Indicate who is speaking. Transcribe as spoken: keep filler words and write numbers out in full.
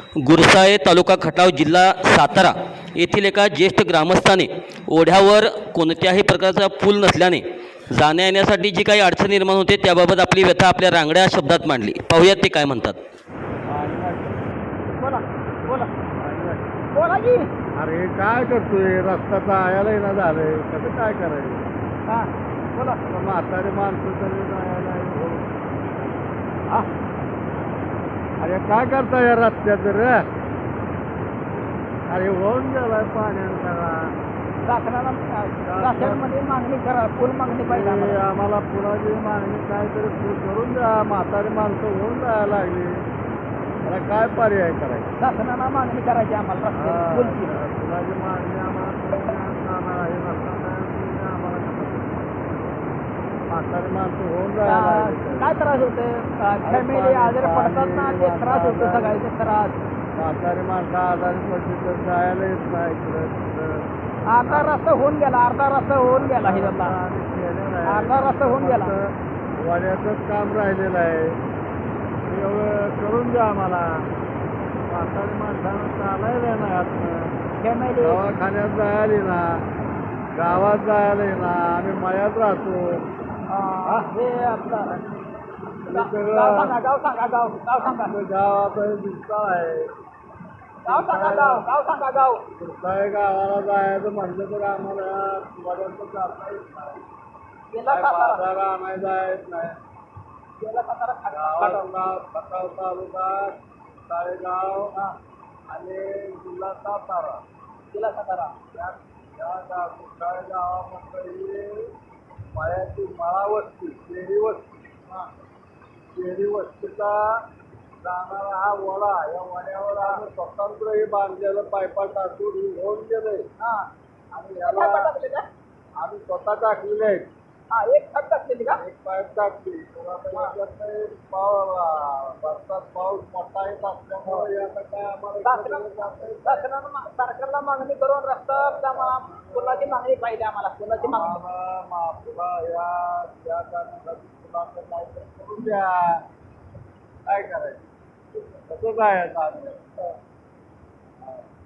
Speaker 1: गुरसाळे तालुका खटाव जिल्हा सातारा येथील एका ज्येष्ठ ग्रामस्थाने ओढ्यावर कोणत्याही प्रकारचा पूल नसल्याने जाण्या येण्यासाठी जी काही अडचण निर्माण होते त्याबाबत आपली व्यथा आपल्या रांगड्या शब्दात मांडली. पाहूयात ते काय म्हणतात.
Speaker 2: बोला बोला बोला की.
Speaker 3: अरे काय करतोय, रस्ता जायला येणं झालंय, कसं काय करायचं?
Speaker 2: हां बोला.
Speaker 3: आता म्हातारे माणसं तरी जायला येणं.
Speaker 2: हां
Speaker 3: अरे काय करता या रस्त्यात रे? अरे होऊन गेलाय पाण्यानं सगळा.
Speaker 2: शासनाला शासनामध्ये मागणी करा, पूल मागणी पाहिजे
Speaker 3: अरे
Speaker 2: आम्हाला.
Speaker 3: आम्हाला पुराची मागणी काहीतरी पूर करून द्या. म्हातारी माणसं होऊन जायला लागली, मला काय पर्याय करायचा?
Speaker 2: शासनाला मागणी करायची आम्हाला रस्त्याची, पूलची.
Speaker 3: पुराची मागणी आम्हाला करून द्या. हे रस्ता नाही, तुम्ही आम्हाला कसं करू? म्हातारी माणसं होऊन जायला लागली.
Speaker 2: काय त्रास होते? फॅमिली आजारी पडतात ना, ते त्रास होतो, सगळ्याचे त्रास.
Speaker 3: म्हातारी माणसं आजारी पडली तर जायला येत नाही इकडं तिकडं.
Speaker 2: अर्धा रस्ता होऊन गेला, अर्धा रस्ता होऊन गेला हे आता.
Speaker 3: आम्ही केलेलं आहे.
Speaker 2: अर्धा रस्ता होऊन गेला.
Speaker 3: फक्त वड्याचंच काम राहिलेलं आहे, एवढं करून द्या आम्हाला. म्हातारी माणसानं चालायला नाही आतनं,
Speaker 2: फॅमिली
Speaker 3: दवाखान्यात जायला ना, गावात जायला ना, आम्ही मळ्यात राहतो.
Speaker 2: हे आपलं
Speaker 3: हे सगळं
Speaker 2: गाव सांगा, गाव सांगा, गाव गाव सांगा,
Speaker 3: आपलं गाव आता हे दुष्काळ आहे.
Speaker 2: गाव सांगा, गाव गाव सांगा, गाव.
Speaker 3: दुष्काळी गावाला जायचं म्हटलं तर आम्हाला वड्याचं जाता येत नाही.
Speaker 2: गेला
Speaker 3: काय
Speaker 2: सातारा,
Speaker 3: बाजारा आणायला येत नाही.
Speaker 2: गेला सातारा खटाव.
Speaker 3: गावातला खटाव तालुका, ताळेगाव आणि जिल्हा सातारा,
Speaker 2: गेला सातारा.
Speaker 3: या या गाव दुष्काळी गावामध्ये मळ्याची मळा वस्ती, शेरी वस्ती, शेरी वस्तीचा जाणारा हा वडा, या वड्यावर आम्ही स्वतंत्र हे बांधलेलं पायपा टाकून होऊन गेलंय.
Speaker 2: हा
Speaker 3: आणि
Speaker 2: पाईप
Speaker 3: याला
Speaker 2: टाकले का?
Speaker 3: आम्ही स्वतः टाकलेले आहेत.
Speaker 2: हा, एक पाईप टाकलेली का?
Speaker 3: एक पाईप टाकली तर आता याच्यात पाव भारतात पाऊस मोठा येत असल्यामुळे याचा काय आम्हाला
Speaker 2: शासनानं शासनानं मा- सरकारला मागणी करून रस्ता त्या पुलाची मागणी पाहिजे आम्हाला, पुलाची मागणी.
Speaker 3: आम्हाला मा- पुन्हा या या कारणासाठी पुलाचं काहीतरी करून द्या. काय करायचं, कसं जायचं आम्ही?